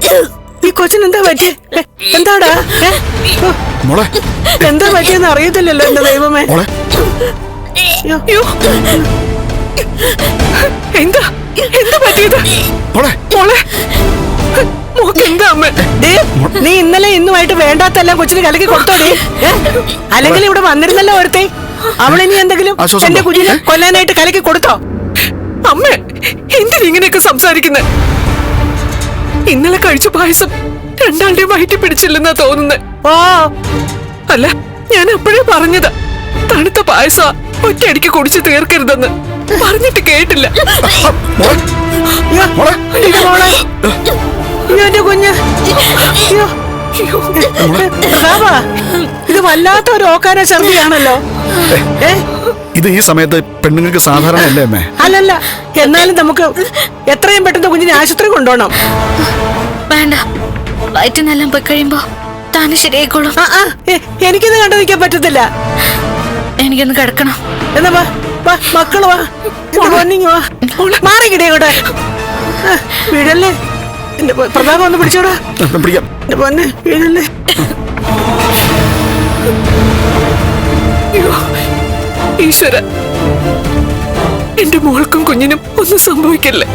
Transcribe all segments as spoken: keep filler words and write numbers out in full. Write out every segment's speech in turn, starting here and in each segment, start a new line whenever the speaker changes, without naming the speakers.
ഈ കൊച്ചിനെന്താ പറ്റിയ? എന്താടാ
മോളെ?
എന്താ പറ്റിയെന്ന് അറിയത്തില്ലല്ലോ എന്റെ ദൈവമേ. എന്താ എന്താ പറ്റിയത് മോളെ? എന്താ അമ്മ? നീ ഇന്നലെ ഇന്നുമായിട്ട് വേണ്ടാത്തെല്ലാം കൊച്ചിന് കലക്കി കൊടുത്തോടേ. അല്ലെങ്കിൽ ഇവിടെ വന്നിരുന്നല്ലോ ഒരുത്തെ. അവളിനി എന്തെങ്കിലും എന്റെ കുഞ്ഞിനെ കൊല്ലാനായിട്ട് കലക്കി കൊടുത്തോ?
അമ്മ എന്തിനിങ്ങനെയൊക്കെ സംസാരിക്കുന്നത്? ഇന്നലെ കഴിച്ച പായസം രണ്ടാളുടെയും വയറ്റി പിടിച്ചില്ലെന്നാ തോന്നുന്നത്.
ഓ
അല്ല, ഞാൻ അപ്പോഴേ പറഞ്ഞതാ തണുത്ത പായസ ഒറ്റയടിക്ക് കുടിച്ച് തീർക്കരുതെന്ന്. പറഞ്ഞിട്ട് കേട്ടില്ല.
എന്റെ കുഞ്ഞ്, ഇത് വല്ലാത്ത ഒരു ഓക്കാന ഛർദിയാണല്ലോ.
ഇത് ഈ സമയത്ത് പെണ്ണുങ്ങൾക്ക് സാധാരണ അല്ലേ അമ്മേ?
അല്ലല്ല, എന്നാലും നമുക്ക് എത്രയും പെട്ടെന്ന് കുഞ്ഞിനെ ആശുപത്രി കൊണ്ടുപോകണം.
വേണ്ട, വയറ്റിനെല്ലാം പോയി കഴിയുമ്പോ താന് ശരിയായിക്കോളും.
എനിക്കിത് കണ്ടു നിൽക്കാൻ പറ്റത്തില്ല.
എനിക്കൊന്ന് കിടക്കണം.
എന്നാ വാ വാ മക്കള് വാ, പൊന്നിങ് വാ, മാറിക്കിടേ കൂടെ വീഴല്ലേ. എന്റെ പ്രതാപം ഒന്ന് പിടിച്ചോടാ.
പിടിക്കാം.
എന്റെ പൊന്നെ വീഴല്ലേ.
ഈശ്വര, എന്റെ മോൾക്കും കുഞ്ഞിനും ഒന്നും സംഭവിക്കല്ലേ.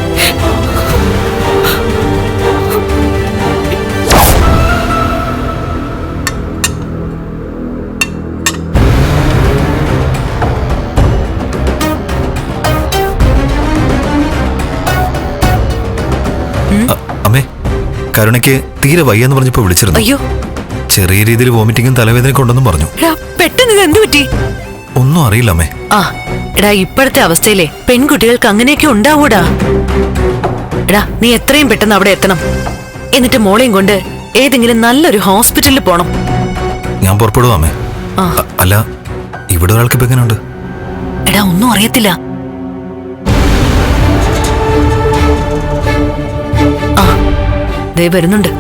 അമ്മേ, കരുണയ്ക്ക് തീരെ വയ്യെന്ന് പറഞ്ഞപ്പോ വിളിച്ചിരുന്നു.
അയ്യോ,
ചെറിയ രീതിയിൽ വോമിറ്റിങ്ങും തലവേദനയൊക്കെ ഉണ്ടെന്നും പറഞ്ഞു.
പെട്ടെന്ന് ഇത് എന്ത് പറ്റി?
ഒന്നും അറിയില്ല അമ്മേ.
ആ എടാ, ഇപ്പോഴത്തെ അവസ്ഥയിലെ പെൺകുട്ടികൾക്ക് അങ്ങനെയൊക്കെ ഉണ്ടാവൂടാ. എടാ, നീ എത്രയും പെട്ടെന്ന് അവിടെ എത്തണം. എന്നിട്ട് മോളെയും കൊണ്ട് ഏതെങ്കിലും നല്ലൊരു ഹോസ്പിറ്റലിൽ പോണം.
ഞാൻ പുറപ്പെടുവാ അമ്മേ. അല്ല, ഇവിടെ ഒരാൾക്ക് ഇപ്പൊ എങ്ങനെയുണ്ട്?
എടാ, ഒന്നും അറിയത്തില്ല. ആ ദേ വരുന്നുണ്ട്.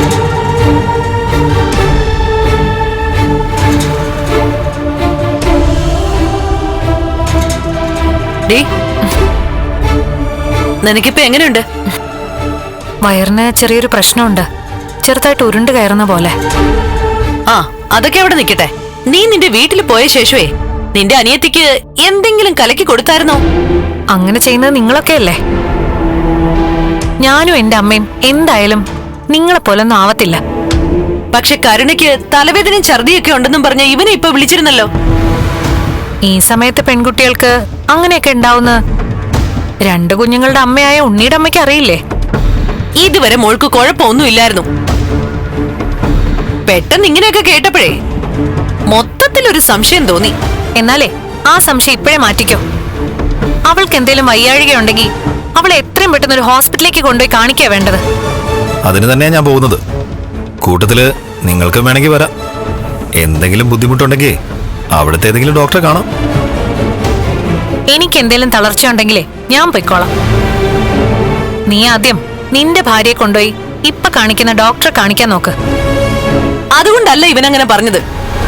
നിനക്കിപ്പോ എങ്ങനെയുണ്ട്?
വയറിന് ചെറിയൊരു പ്രശ്നമുണ്ട്. ചെറുതായിട്ട് ഉരുണ്ട് കയറുന്ന പോലെ.
ആ അതൊക്കെ അവിടെ നിൽക്കട്ടെ. നീ നിന്റെ വീട്ടിൽ പോയ ശേഷമേ നിന്റെ അനിയത്തിക്ക് എന്തെങ്കിലും കലക്കി കൊടുത്തായിരുന്നോ?
അങ്ങനെ ചെയ്യുന്നത് നിങ്ങളൊക്കെ അല്ലേ. ഞാനും എന്റെ അമ്മയും എന്തായാലും നിങ്ങളെ പോലൊന്നും ആവത്തില്ല.
പക്ഷെ കരുണയ്ക്ക് തലവേദനയും ഛർദിയൊക്കെ ഉണ്ടെന്നും പറഞ്ഞ ഇവനെ ഇപ്പൊ വിളിച്ചിരുന്നല്ലോ.
ഈ സമയത്ത് പെൺകുട്ടികൾക്ക് അങ്ങനെയൊക്കെ ഉണ്ടാവുന്ന രണ്ടു കുഞ്ഞുങ്ങളുടെ അമ്മയായ ഉണ്ണിയുടെ അമ്മയ്ക്ക് അറിയില്ലേ?
ഇതുവരെ മോൾക്ക് കുഴപ്പമൊന്നും ഇല്ലായിരുന്നു. പെട്ടെന്ന് ഇങ്ങനെയൊക്കെ കേട്ടപ്പോഴേ മൊത്തത്തിലൊരു സംശയം തോന്നി.
എന്നാലേ ആ സംശയം ഇപ്പോഴേ മാറ്റിക്കോ. അവൾക്ക് എന്തേലും വയ്യാഴികയുണ്ടെങ്കിൽ അവളെ എത്രയും പെട്ടെന്ന് ഒരു ഹോസ്പിറ്റലിലേക്ക് കൊണ്ടുപോയി കാണിക്കാ വേണ്ടത്.
അതിന് തന്നെയാ ഞാൻ പോകുന്നത്. കൂട്ടത്തില് നിങ്ങൾക്ക് വേണമെങ്കിൽ വരാം. എന്തെങ്കിലും ബുദ്ധിമുട്ടുണ്ടെങ്കിൽ അവിടുത്തെ ഏതെങ്കിലും ഡോക്ടറെ കാണാം.
എനിക്ക് എന്തേലും തളർച്ച ഉണ്ടെങ്കിലേ ഞാൻ പൊയ്ക്കോളാം. നീ ആദ്യം നിന്റെ ഭാര്യയെ കൊണ്ടുപോയി ഇപ്പൊ കാണിക്കുന്ന ഡോക്ടറെ കാണിക്കാൻ നോക്ക്.
അതുകൊണ്ടല്ല ഇവനങ്ങനെ പറഞ്ഞത്.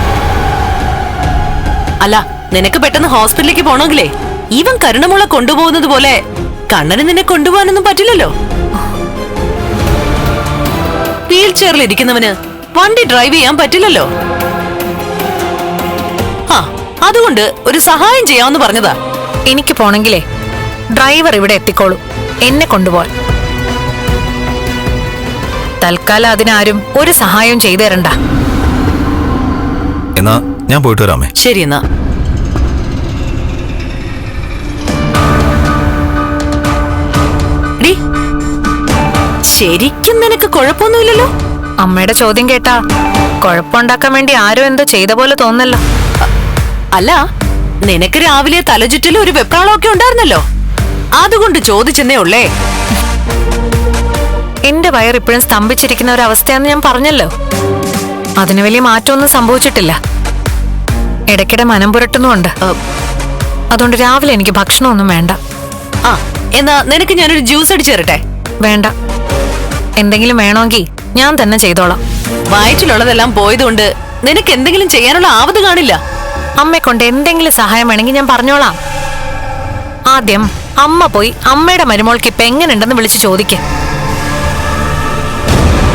അല്ല, നിനക്ക് പെട്ടെന്ന് ഹോസ്പിറ്റലിലേക്ക് പോണെങ്കിലേ ഇവൻ കരുണമുള കൊണ്ടുപോകുന്നത് പോലെ കണ്ണന് നിന്നെ കൊണ്ടുപോകാനൊന്നും പറ്റില്ലല്ലോ. വീൽ ചെയറിൽ ഇരിക്കുന്നവന് വണ്ടി ഡ്രൈവ് ചെയ്യാൻ പറ്റില്ലല്ലോ. ആ അതുകൊണ്ട് ഒരു സഹായം ചെയ്യാമെന്ന് പറഞ്ഞതാ.
എനിക്ക് പോണെങ്കിലേ ഡ്രൈവർ ഇവിടെ എത്തിക്കോളൂ, എന്നെ കൊണ്ടുപോവാൻ. തൽക്കാലം അതിനാരും ഒരു സഹായവും ചെയ്തു തരണ്ട.
എന്നാ ഞാൻ പോയിട്ട് വരാമേ.
ശരി എന്നാ. ശരിക്കും നിനക്ക് കുഴപ്പമൊന്നുമില്ലല്ലോ?
അമ്മയുടെ ചോദ്യം കേട്ടാ കുഴപ്പമുണ്ടാക്കാൻ വേണ്ടി ആരോ എന്തോ ചെയ്ത പോലെ തോന്നല്ലോ.
അല്ല, നിനക്ക് രാവിലെ തലചുറ്റലും ഒരു വെപ്രാളമൊക്കെ ഉണ്ടായിരുന്നല്ലോ, അതുകൊണ്ട് ചോദിച്ചെന്നേ ഉള്ളേ.
എന്റെ വയർ ഇപ്പോഴും സ്തംഭിച്ചിരിക്കുന്ന ഒരു അവസ്ഥയാന്ന് ഞാൻ പറഞ്ഞല്ലോ. അതിന് വലിയ മാറ്റമൊന്നും സംഭവിച്ചിട്ടില്ല. ഇടയ്ക്കിടെ മനം പുരട്ടുന്നുമുണ്ട്. അതുകൊണ്ട് രാവിലെ എനിക്ക് ഭക്ഷണമൊന്നും വേണ്ട.
ആ എന്നാ നിനക്ക് ഞാനൊരു ജ്യൂസ് അടിച്ചു തരട്ടെ?
വേണ്ട. എന്തെങ്കിലും വേണമെങ്കിൽ ഞാൻ തന്നെ ചെയ്തോളാം.
വയറ്റിലുള്ളതെല്ലാം പോയതുകൊണ്ട് നിനക്ക് എന്തെങ്കിലും ചെയ്യാനുള്ള ആവത് കാണില്ല.
അമ്മയെ കൊണ്ട് എന്തെങ്കിലും സഹായം വേണമെങ്കിൽ ഞാൻ പറഞ്ഞോളാം. ആദ്യം അമ്മ പോയി അമ്മയുടെ മരുമോൾക്ക് ഇപ്പൊ എങ്ങനെയുണ്ടെന്ന് വിളിച്ച് ചോദിക്കേ.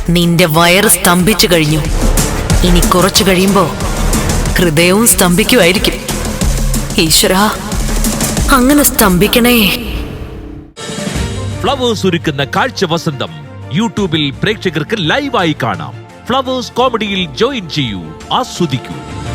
നിന്റെ വയറ് സ്തംഭിച്ചു കഴിഞ്ഞു. ഇനി കുറച്ചു കഴിയുമ്പോ ഹൃദയവും സ്തംഭിക്കുമായിരിക്കും. ഈശ്വരാ, അങ്ങനെ സ്തംഭിക്കണേ.
ഫ്ലവേഴ്സ് ഒരുക്കുന്ന കാഴ്ച വസന്തം യൂട്യൂബിൽ പ്രേക്ഷകർക്ക് ലൈവായി കാണാം. ഫ്ലവേഴ്സ് കോമഡിയിൽ ജോയിൻ ചെയ്യൂ, ആസ്വദിക്കൂ.